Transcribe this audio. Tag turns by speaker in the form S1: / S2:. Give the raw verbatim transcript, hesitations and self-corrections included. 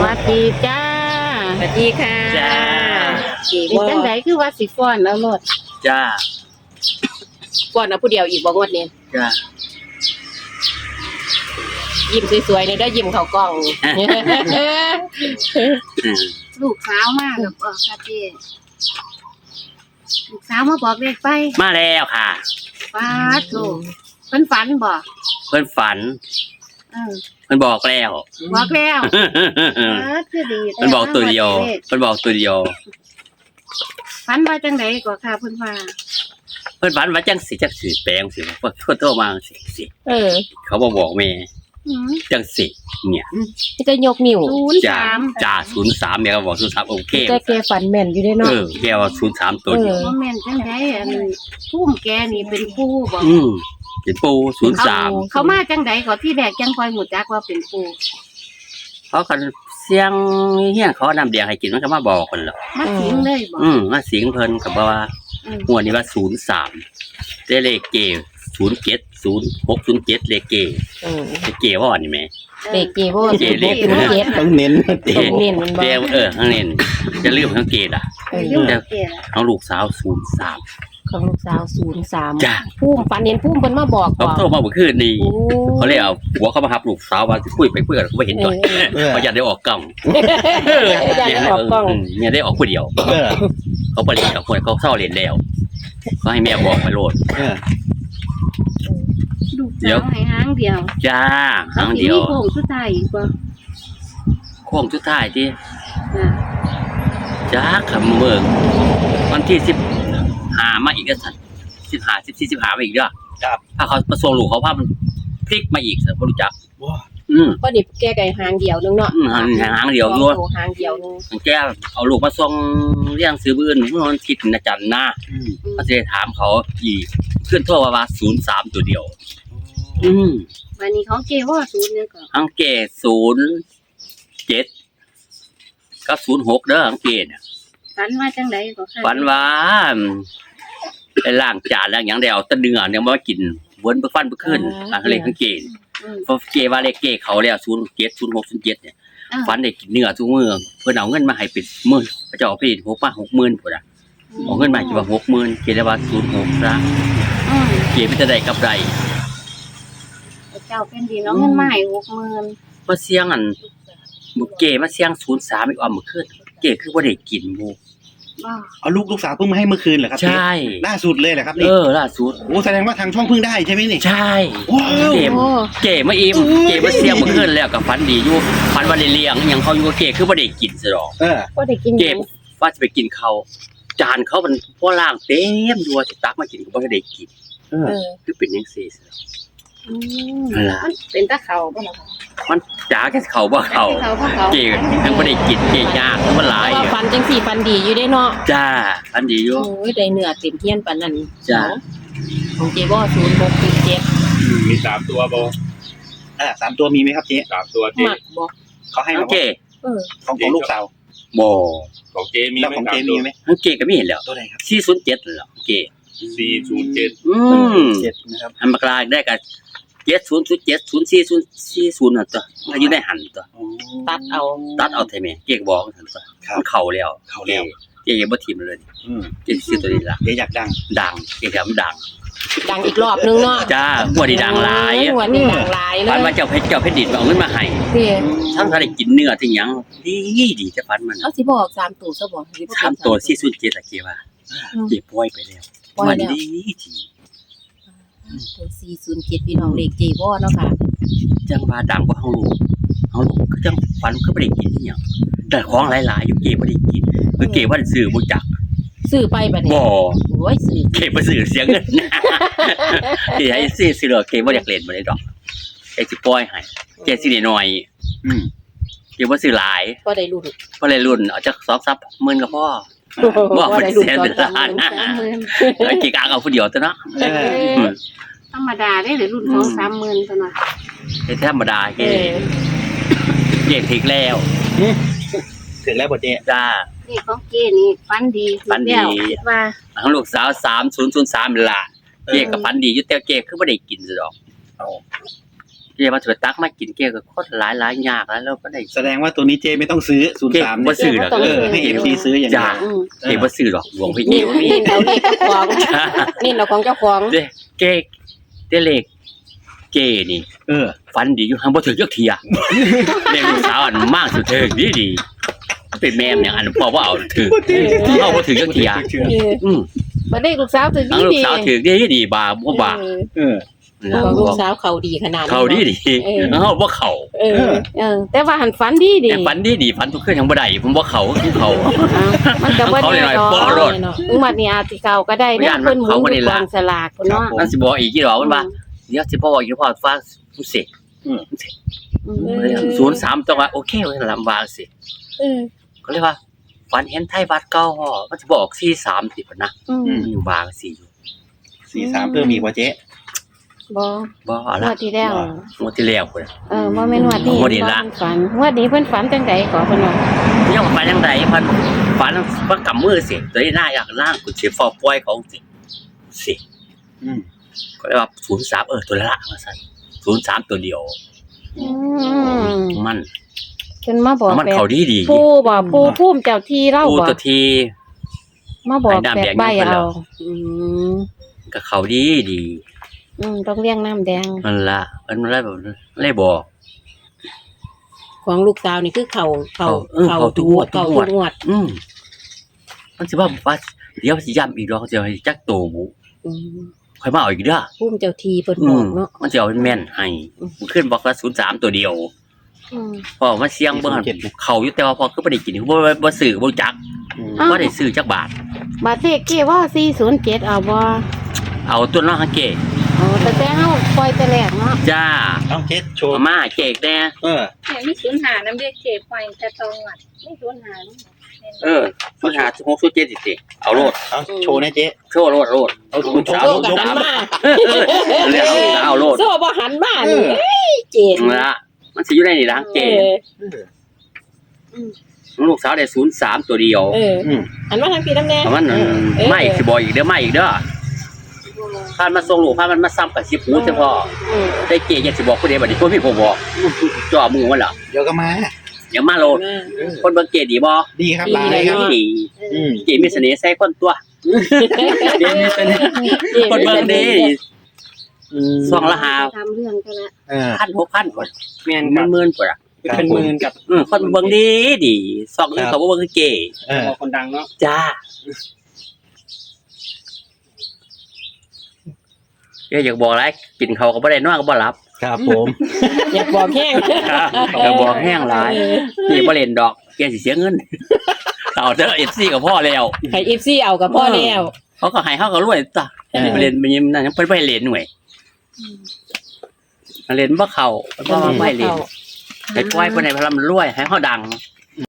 S1: วัสดีจ้า
S2: สวัสดีค่ะ
S3: จ้า
S1: เป็นจังไดคือว่าสิฟ้อนแล้วโลด
S3: จ้า
S2: ก่อนเอาผู้เดียวอีกบ่งวดนี้
S3: จ้า
S2: ยิ้มสวยๆเลยได้อยิ้มเข้ากล้อง
S3: อืม
S1: ลูกสาวมากับเออค่ะเจ้ลูกสาวมาบอกเลขไป
S3: มาแล้วค่ะ
S1: ป้าดโตเพิ่นฝันบ่
S3: เพิ่นฝัน
S1: เออ
S3: เพิ่นบอกแล้ว
S1: บอกแล้วป้าดคือดีแต่
S3: เพิ่นบอกตัวเดียวเพิ่นบอกตัวเดียว
S1: ฝันว่าจังไดก็ค่ะเพิ่นว่า
S3: เพิ่นฝันว่าจังสิจังสิแปลงสิเพิ่นโทรมาสิสิ
S2: เออ
S3: เขาบ่บอกแม่
S1: อืม
S3: จังสิเนี่ย
S2: นี่จะยกนิ้ว
S1: ศูนย์
S3: จ้า
S1: สาม
S3: จ้าศูนย์สามแม่ก็บอกศูนย์สามโอเค
S2: แต่แกฝันแม่นอยู่ได้
S3: เอ
S2: เนาะ
S3: อแกว่าศูนย์สามตัวเดียว
S1: บ่แม่นจังไดอันพุ่มแกนี่เป็นผู้บ่
S3: อืมเป็นปูศูนย์สาม
S1: เขามาจังไดก็ที่แรกจังค่อยหูจักว่าเป็นผู้
S3: เขากันเสียงเฮียนเขานำเดียงให้กินมันก็มาบอกเพิ่นหรอก
S1: มาสิงเลยบ่
S3: อืมมาสิงเพิ่นก็บอกว่า
S1: อืม
S3: งวดนี้ว่าศูนย์สามได้เลขเกศูนย์เจ็ดศูนย์หกศูนย์เจ็ดเลขเก
S2: เออ
S3: เลขเกว่าอันนี้ไหม
S2: เด็กเกบ่
S3: เกเด็ก
S2: ศูนย์เจ็ด
S4: ต้องเน้น
S3: เก
S2: ต้องเน้นมันบ่
S3: เกเออข้างเน้นจะลืมทั้งเกดอ่ะ
S2: เออ
S1: เรื่องเกี่ยว
S3: ทั้งลูกสาวศูนย์สาม
S2: ของลูกสาวศูนย์สาม
S3: จ้ะ
S2: พุ่มฝันเห็นพุ่มเพิ่นมาบอก
S3: เขา
S2: ก่อน
S3: โทรมาเมื่อคืนนี้
S2: โอ้
S3: เขาเลยเอาหัวเขามาหับลูกสาวมาคุยไปคุยกันเขาไม่เห็นตัวเขาอยากได้ออกกล้อง
S2: อยากได้ออกกล้อง
S3: มเนี่ยได้ออกคนเดียว
S4: เออ
S3: เขาไปเรียนกับคนเขาเศร้าเรียนแล้วเขาให้แม่บอกไปโลด
S4: เออ
S1: ลูกสาวให้หางเดียว
S3: จ้าครั้งเดียว
S1: มีโค้งสุดท้ายอีกบ่
S3: โค้งสุดท้ายที่
S1: อ่า
S3: จ้าขำเมืองวันที่สิบหามาอีกแล้วสันสิบหาสิบสี่สิบหามาอีกเด้อ
S4: ครับ
S3: ถ้าเขาประสงค์หลูกเขาภาพมันพลิกมาอีกสิบ่รู้จัก
S4: ว้า
S3: อืม
S2: ก็นี่แกไก่หางเดียวนึงเนาะ
S3: อืมหางหางเดียวด้วย
S2: สองตัวหางเดียวนึง
S3: แกเอาลูกมาส่งเรียงซื้อบื้อเมื่อวันคิดนะจันนะ
S4: อืม
S3: เขาจะถามเขาอีกขึ้นทั่วว่าศูนย์สามตัวเดียว อืม
S1: วันนี้ของเกี่ยวว่าศูนย์เนี่ยก็
S3: อังเกตศูนย์เจ็ดกับศูนย์หกเด้ออังเกตเนี่ย
S1: ฝันว่าจังไดก็ค่ะ
S3: ฝันว่าไปล้างจานล้างอย่างเดียวตะเนื้อเนี่ยมากินวนไปฟันไปขึ้นอังเลยอังเกต
S1: อืม
S3: เพราะเกว่าเลขเกเขาแล้วศูนย์เจ็ดศูนย์หกศูนย์เจ็ดเนี่ย
S1: อ่า
S3: ฝันได้กินเนื้อทุกมื้อเพิ่นเอาเงินมาให้เป็นหมื่นพระเจ้าเอาไปหกมาหกหมื่นพุ่นน่ะเอาเงินมาให้ว่าหกหมื่นเกได้ว่าศูนย์หกซะ
S1: อืม
S3: เกมันจะได้กับไร
S1: เจ้าเป็นดีเนาะเงินมาให้หกหมื่น
S3: มาเสียงอันบุเกมาเสียงศูนย์สามอีกอ่อมมื้อคืนเกคือบ่ได้กินหมู่
S1: บ่
S4: เอาลูกลูกสาวเพิ่งมาให้เมื่อคืนเหรอครับ
S3: ใช่
S4: ล่าสุดเลยเหรอครับ
S3: เอ
S4: นี่
S3: อล่าสุด
S4: โอ้แสดงว่าทางช่องเพิ่งได้ใช่ไหมนี่
S3: ใช่
S4: ว้าว
S3: เกม
S2: โอ้
S3: เกมาอิ่มเกมาเสียงมื้อคืนแล้วก็ฝันดีอยู่ฝันว่าได้เลี้ยงอิหยังเขาอยู่กับเกคือบ่ได้กินซะดอก
S4: เออ
S2: ก็ได้กิน
S3: เกมว่าจะไปกินเขาวจานเขามันพอล่างเต็มอยู่ว่าสิตักมากินก็บ่ได้กิน
S4: เออ
S2: เออ
S3: คือเป็นจังซี่ซะ
S2: อืม
S3: นั่นล่ะ
S1: มันเป็นตะเขาบ่ล่ะคะ
S3: มันจ๋าแค่เขาบ่เขา
S1: เขาบ่เขา
S3: เกทั้งบ่ได้กินเกยากทั้งบ่หลาย
S2: ว่าฟันจังสี่ฟันดีอยู่ได้เนาะ
S3: จ้าอันดีอยู่
S2: โอ้ยได้เนื้อเต็มเทียนปานนั้น
S3: จ้ะ
S2: ของเจบ่ศูนย์หกศูนย์เจ็ด
S5: มีสามตัวบอ
S4: อ่าสามตัวมีไหมครับเจ๊
S5: สามตัวเจ
S2: มักบ่
S4: เขาให้
S3: ทั้
S4: มาง
S3: เก
S2: เออ
S4: ของของลูกสาว
S3: บ่
S5: ของเจมี
S4: แล้ว
S5: ไหม
S4: ของ
S5: สา
S4: เจ๊
S5: ม
S4: มี
S5: ตัว
S4: ไหม
S3: ทั้งเกก็ไม่เห็นแล้ว
S4: ตัวไหนครับ
S3: สี่ศูนย์เจ็ดนั่นแหละเก
S5: สี่ศูนย์เจ็ด
S3: อืม
S4: เจ็ดนะครับ
S3: อันมากลางได้กับเจ็ดศูนย์ศูนย์เจ็ดศูนย์สี่ศูนย์สี่ศูนย์นั่นตัวมันอยู่ในหันตัว
S4: อ๋อ
S2: ตัดเอา
S3: ตัดเอาเท่าไหร่เกก็บอกกันตัว
S4: ครับ
S3: มันเข่าแล้ว
S4: เข้าแล้ว
S3: เกก็บ่ทิมเลย
S4: อืม
S3: เกสิซื้อตัวนี้ล่ะ
S4: เจ๊อยากดัง
S3: ดังเกก็มันดัง
S2: ดังอีกรอบนึงเนาะ
S3: จ้าหัวดีดังหลาย
S2: หัวนี่ดังหลายเล
S3: ฝัน
S2: ย
S3: ว่าเจ้าเพชรเจ้าเพชรดินเอาเงินมาให้
S2: เด้
S3: ทั้งถ้าได้กินเนื้อที่หยังดีดีจะฝันมัน
S2: เอาสิบอกสามตัวซะบ่สิบ่
S3: ถามตัวสี่ศูนย์เจ็ดอะเกว่าเกปล่อยไปแล้ว
S2: ปล่อย
S3: มัน
S2: แล้ว
S3: ดีที
S2: ตัวสี่ศูนย์เจ็ดพี่น้องเลขเจบ่เนาะค่ะ
S3: จังว่าดังกว่าเฮาลูกเฮาลูกคือจังฝันคือบ่ได้กินอีหยังแต่ของหลายๆอยู่เกบ่ได้กินคือเกว่าซื้อบ่จัก
S2: ซื้อไปบัดนี้
S3: บ่
S2: โอ้ยซื้อ
S3: เกบ่ซื้อเสียเงิน ที่ให้ซื้อซื้อแล้วเกบ่อยากเล่นบ่ได้ดอกเกสิปล่อยให้เกสิได้น้อย
S4: อืม
S3: เกบ่ซื้อหลาย
S2: ก็ได้รุ่น
S3: บ่ได้รุ่นเอาจักสองสามหมื่นก็พอ บ่
S2: ก็ได้รุ่น
S3: แสน
S2: ตอ
S3: เป็น น
S2: ส
S3: ล้าน
S2: ม
S1: สามหมื่น
S3: เออเกกางเอาผู้เดียวตัวเนาะ
S4: เออ
S3: อืม
S1: ธรรมดาได้หรือรุ่นของสามหมื่นเท่านั้น
S3: เฮ็ดธรรมดาเก
S2: เออ
S3: เกถึกแล้ว
S4: ถึงแล้วบ่เจ๊
S3: จ้า
S1: นี่ของเก้นี่ฝันดี
S3: ฝันดี
S1: แล้วคิดว่า
S3: ของลูกสาวสามศูนย์ศูนย์สามนี่ล่ะเกก็ฝันดีอยู่แต่เกคือบ่ได้กินซะดอก
S4: เอา
S3: เกเจมาถือตักมากินเกก็โคตรหลายหลายยากแล้วเราก็ได้
S4: แสดงว่าตัวนี้เจไม่ต้องซื้อศูนย์
S3: เก
S4: สาม
S3: บ่ซื้อหรอก
S4: เออให้เอฟซีซื้ออย่างเดี
S3: จ้า
S4: ยว
S1: อืม
S3: เกบ่ซื้อหรอกหลวงพี่เก
S2: นี่
S3: บ่มี
S2: นี่เอาเลขเจ้าของนี่เราของเจ้าของ
S3: เด้เกเดเลขเกนี่
S4: เออ
S3: ฟันดีอยู่ทางบ่ถึงจักเทียเลขลูกสาวอันมากสุดเถิงดีดีเป็นแม่มอย่างอันพ่อว่าเอาถึงเอาบ่ถึงจักเทีย
S2: เออ
S3: อืม
S1: บ่ได้ลูกสาวถึง
S3: ทาง
S1: ดี
S3: ลูก
S1: ดี
S3: สาวถึงดีดีบาบ่บา
S2: เออ
S4: เออ
S2: ของลูกสาวเขาดีขนาดนี้
S3: เขาดีดี
S2: เออ
S3: เฮาบ่เข้า
S2: เออ
S1: เออ แต่ว่าหันฝันดีดี
S3: แต่ฟันดีดีฟันทุกคืนยังบ่ได้ผมบ่เข้าคือเขา
S1: อ้าวมันก็บ่
S3: เขา
S1: ได้
S3: หน่อย
S1: ดอก
S3: ๆบ่รอด
S1: ถึงบัดนี้อาจสิเก่าก็ได้เนี่ย
S3: ย่านมัน
S1: เพิ่นหมุน
S3: เขาบ่
S1: อ
S3: ได้
S1: ยู่ก
S3: ละ
S1: องสลากพุ่นเนาะ
S3: นั่นสิบอกอีกกี่ดอกมันว่าเดี๋ยวสิบอกอีกพอฟ้าสิ
S1: อืม
S3: ศูนย์สามจังหวะโอเคเว้ยลำบากสิ
S2: เออ
S3: ก็เลยว่าฝันเห็นไทยวัดเก่าฮอมันสิบอกสี่สามสิพุ่นนะ
S1: อืม
S3: มันอยู่บางสิอยู่
S4: สี่สามเพิ่มอีกว่าเจ๊
S1: บ่
S3: บ่
S1: ง
S3: ละ
S1: วดที่แล้ว
S3: งวดที่แล้วพุ่น
S1: เออบ่แม่นงวดนี้
S3: งวดนี้ละ
S1: เพิ่นฝันงวดนี้เพิ่นฝันจังได๋ก็เพิ่นว่า
S3: ยังฝันจังไดฝันฝันว่ากำมือสิตัวนี้หน้าอยากล่างกูสิฟอปล่อยเขาสิสิ
S4: อืม
S3: ก็เลยว่าศูนย์สามเออตัวละว่าซั่นศูนย์สามตัวเดียว
S1: อืม
S3: มัน
S1: เพิ่นมาบอก
S3: มัน
S1: แบบ
S3: เขาดีดี
S1: ปู่บ่ปู่ภูมิเจ้าที่เล่า
S3: ปู
S1: บ่
S3: ตัวที
S1: มาบอก
S3: ไอ้น้ำ
S1: แบ
S3: แด
S1: บ
S3: ง
S1: ใบ
S3: อยู่เพิ่นแล้
S1: เอา
S3: ว
S1: อืม
S3: ก็เขาดีดี
S1: อืมต้องเลี้ยงน้ำแดง
S3: นั่นละมันเลยแบบเลยบอก
S2: ของลูกสาวนี่คือเขาเขา
S3: เออเขาทุกงวด
S2: เขา
S3: ทุกง
S2: ทุ
S3: วด
S2: กงวด
S3: อืมมันสิว่าว่าเดี๋ยวสิย้ำอีกดอกจะให้จักโตบุ
S2: อืม
S3: ค่อยมาเอาอีกเด้อ
S2: พุ่มเจ้าทีเพิ่น
S3: อื
S2: บอ
S3: ม
S2: กเนาะ
S3: มันสิเอาเป็นแม่นให้มันขึ้นบอกว่าศูนย์สามตัวเดียว
S1: อืม
S3: พอมาเสียงเบิ่งหั่นเขาอยู่แต่ว่าพอคือบ่ได้กินบ่บ่บ่ซื้อบ่จัก
S4: อืม
S3: บ่ได้ซื้อจักบาท
S1: บาทเลขเก้ว่าสี่ศูนย์เจ็ดเอาบ่
S3: เอาตัวน้องฮังเกะ
S1: อ๋อแต่แต่เฮาปล่อยแต่แรกเนาะ
S3: จ้า
S4: เอาเจ๊โชว์
S3: เอามาเกกแน่
S4: เออ
S6: เนี่ยมีศูนย์หาน้ำเรียกเจ็บไปแต่ตองอ่ะไม่ศูนย์หา
S3: เออศูนย์ห้าศูนย์หกศูนย์เจ็ดสิสิเอาโลด
S4: เอาโชว์นะเจ๊
S3: โชว์โลดโลด
S4: เอาคุณโชว์
S2: โซ่
S4: ย
S2: กับ
S4: ก
S2: หันมา
S3: เรียกเอาเอาโลด
S2: โซ่บ่หันมานี่เอ้ยเจ็ด
S3: นั่นละมันสิอยู่ในนี่ล่ะฮัง
S2: เอ
S3: เกะ
S2: อ
S3: ลูกสาวได้ศูนย์สามตัวเดียว
S2: เออ
S4: อืม
S2: หันมาทางพี่น้ำแน่
S3: เพราะมัน
S2: เออเออ
S3: ไม่สิบอกอีกเด้อไม่อีกเด้อพานมาส่งลูกพานมันมาซ้ำกับสิบหูเฉพาะ
S2: เออ
S3: ได้เกยยังสิบอกผู้ใดบัดนี้พวกพี่ผมบอกจ่อมือมันเหรอ
S4: เดี๋ยวก็มา
S3: อย่ามาโลด
S2: มา
S3: คนเบิ่งเกยดีบ่
S4: ดีครับ
S2: ดี
S4: ลายครับ
S3: ดี
S4: อืม
S3: เกยมีเสน่ห์ใส่คนตัวเกยมีเสน่ห์คนเบิ่งดี
S4: อืม
S3: สองละหา
S1: ทำเรื่องก็ละ
S4: เออ
S3: พันหกพันคน
S4: แม่น
S3: มันหมื่นกว่า
S4: เป็นหมื่นกับ
S3: อือคนเบิ่งดีดีสองนึงเขาบ่เบิ่งคือเกย
S4: เออ
S5: คนดังเนาะ
S3: จ้าเกยอยากบอกอะไรกินเขาวก็บ่ได้นอนก็บ่หลับ
S4: ครับผม
S2: อยากบอกแห้ง
S3: อยากบอกแห้งหลายนี่บ่เล่นดอกเกยสิเสียเงินเอาเด้อ เอฟ ซี ก็พอแล้ว
S2: ให้ เอฟ ซี เอากับพ่อแล้ว
S3: เขาก็ให้เขาก็รวยจ้ะ
S4: เออ
S3: ไปเรียนไปยิมนั่นยังเพิ่นไปเรียนหน่วยเรียนบ่เข้าเพิ่นบ่มาไปเรียนไปปล่อยเพิ่นให้พลันรวยให้เขาดัง